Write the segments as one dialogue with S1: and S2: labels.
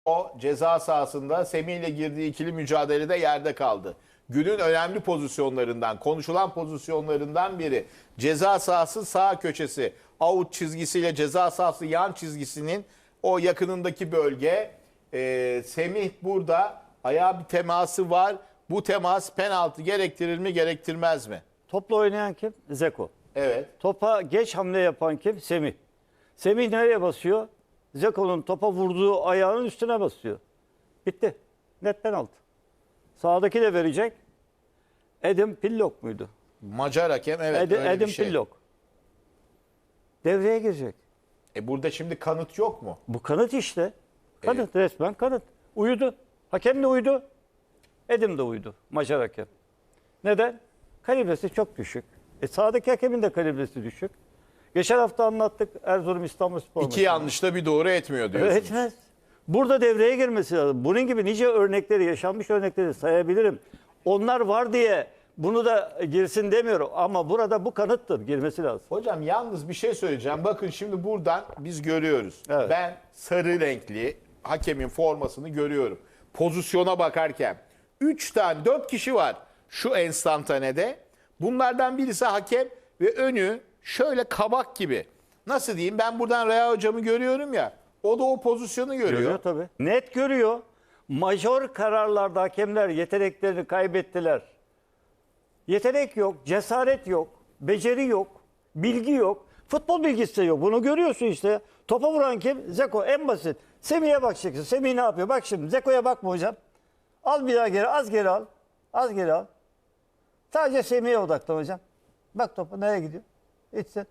S1: O ceza sahasında Semih ile girdiği ikili mücadelede yerde kaldı. Günün önemli pozisyonlarından, konuşulan pozisyonlarından biri. Ceza sahası sağ köşesi, out çizgisiyle ceza sahası yan çizgisinin o yakınındaki bölge. Semih burada, ayağa bir teması var. Bu temas penaltı gerektirir mi, gerektirmez mi?
S2: Topla oynayan kim? Zeko.
S1: Evet.
S2: Topa geç hamle yapan kim? Semih. Semih nereye basıyor? Zeko'nun topa vurduğu ayağının üstüne basıyor. Bitti. Net penaltı. Sağdaki de verecek. Edim Pillok muydu?
S1: Macar hakem, evet, öyle
S2: Edim
S1: bir şey.
S2: Pillok. Devreye girecek.
S1: Burada şimdi kanıt yok mu?
S2: Bu kanıt işte. Kanıt, resmen kanıt. Uyudu. Hakem de uyudu. Edim de uyudu. Macar hakem. Neden? Kalibresi çok düşük. Sağdaki hakemin de kalibresi düşük. Geçen hafta anlattık Erzurum İstanbulspor
S1: İki
S2: maçını.
S1: yanlışla bir doğru etmiyor diyorsunuz.
S2: Etmez. Burada devreye girmesi lazım. Bunun gibi nice örnekleri, yaşanmış örnekleri sayabilirim. Onlar var diye bunu da girsin demiyorum. Ama burada bu kanıttır. Girmesi lazım.
S1: Hocam yalnız bir şey söyleyeceğim. Bakın şimdi buradan biz görüyoruz.
S2: Evet.
S1: Ben sarı renkli hakemin formasını görüyorum. Pozisyona bakarken 4 kişi var şu enstantanede. Bunlardan birisi hakem ve önü şöyle kabak gibi. Nasıl diyeyim, ben buradan Rea hocamı görüyorum ya. O da o pozisyonu görüyor.
S2: Görüyor tabii. Net görüyor. Majör kararlarda hakemler yeteneklerini kaybettiler. Yetenek yok, cesaret yok, beceri yok, bilgi yok. Futbol bilgisi de yok. Bunu görüyorsun işte. Topa vuran kim? Zeko, en basit. Semih'e bakacaksın. Semih ne yapıyor? Bak şimdi Zeko'ya bakma hocam. Al bir daha geri, az geri al. Az geri al. Sadece Semih'e odaklan hocam. Bak topu nereye gidiyor? İçsin.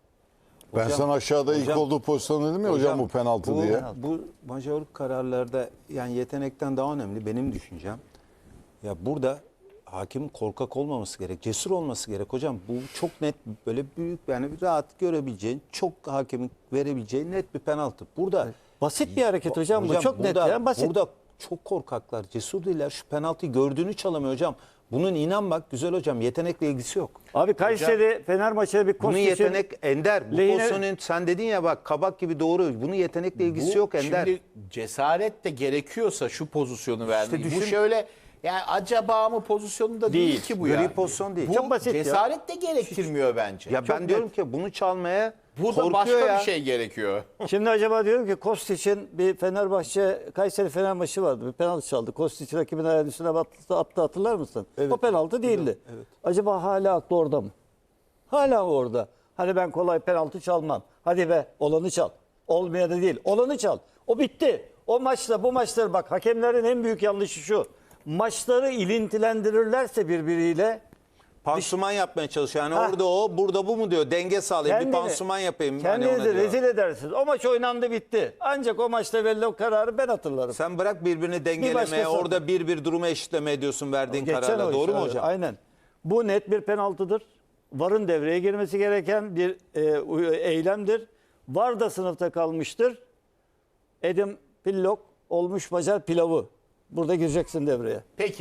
S3: Ben sana aşağıda ilk
S4: hocam-
S3: olduğu pozisyon dedim ya hocam bu penaltı diye.
S4: Bu majör kararlarda yani yetenekten daha önemli benim düşüncem. Ya burada hakim korkak olmaması gerek, cesur olması gerek hocam. Bu çok net, böyle büyük, yani rahat görebileceğin, çok hakemin verebileceği net bir penaltı. Burada
S2: Basit bir hareket hocam bu. Çok net
S4: burada,
S2: ya, basit.
S4: Burada çok korkaklar, cesur değiller. Şu penaltıyı gördüğünü çalamıyor hocam. Bunun inan bak güzel hocam, yetenekle ilgisi yok.
S2: Abi Kayseri Fener maçına bir
S4: Bunun
S2: Kostić'in
S4: yetenek Ender. Bu
S2: lehine-
S4: pozisyonun sen dedin ya bak kabak gibi doğru. Bunun yetenekle ilgisi yok Ender.
S1: Şimdi cesaret de gerekiyorsa şu pozisyonu vermeyi.
S4: düşün-
S1: Bu şöyle yani acaba mı pozisyonunda değil,
S2: Değil.
S1: ki bu
S4: Gri
S1: yani.
S4: pozisyon değil.
S1: Bu
S2: Çok basit ya.
S1: cesaret de gerektirmiyor bence.
S4: Ya ben diyorum ki bunu çalmaya
S1: Burada
S4: korkuyor
S1: başka
S4: ya.
S1: bir şey gerekiyor.
S2: Şimdi acaba diyorum ki Kostić'in bir Fenerbahçe Kayseri Fener maçı vardı. Bir penaltı çaldı. Kostić rakibin ayağının üstüne attı, hatırlar mısın?
S4: Evet.
S2: O penaltı değildi.
S4: Evet.
S2: Acaba hala aklı orada mı? Hala orada. Hani ben kolay penaltı çalmam. Hadi be olanı çal. Olmayanı değil. Olanı çal. O bitti. O maçla bu maçları bak, hakemlerin en büyük yanlışı şu. Maçları ilintilendirirlerse birbiriyle
S4: Pansuman yapmaya çalışıyor. Yani
S2: Ha.
S4: orada o, burada bu mu diyor. Denge sağlayayım. Bir pansuman yapayım. Hani
S2: Kendinizi
S4: ona diyor.
S2: rezil edersiniz. O maç oynandı bitti. Ancak o maçta verilen o kararı ben hatırlarım.
S4: Sen bırak birbirini dengelemeye,
S2: başkası-
S4: orada bir durumu eşitleme ediyorsun verdiğin
S2: Geçen
S4: kararla.
S2: o
S4: Doğru
S2: iş,
S4: mu
S2: evet,
S4: hocam?
S2: Aynen. Bu net bir penaltıdır. VAR'ın devreye girmesi gereken bir eylemdir. VAR da sınıfta kalmıştır. Edim Pillok olmuş Macar pilavı. Burada gireceksin devreye.
S1: Peki.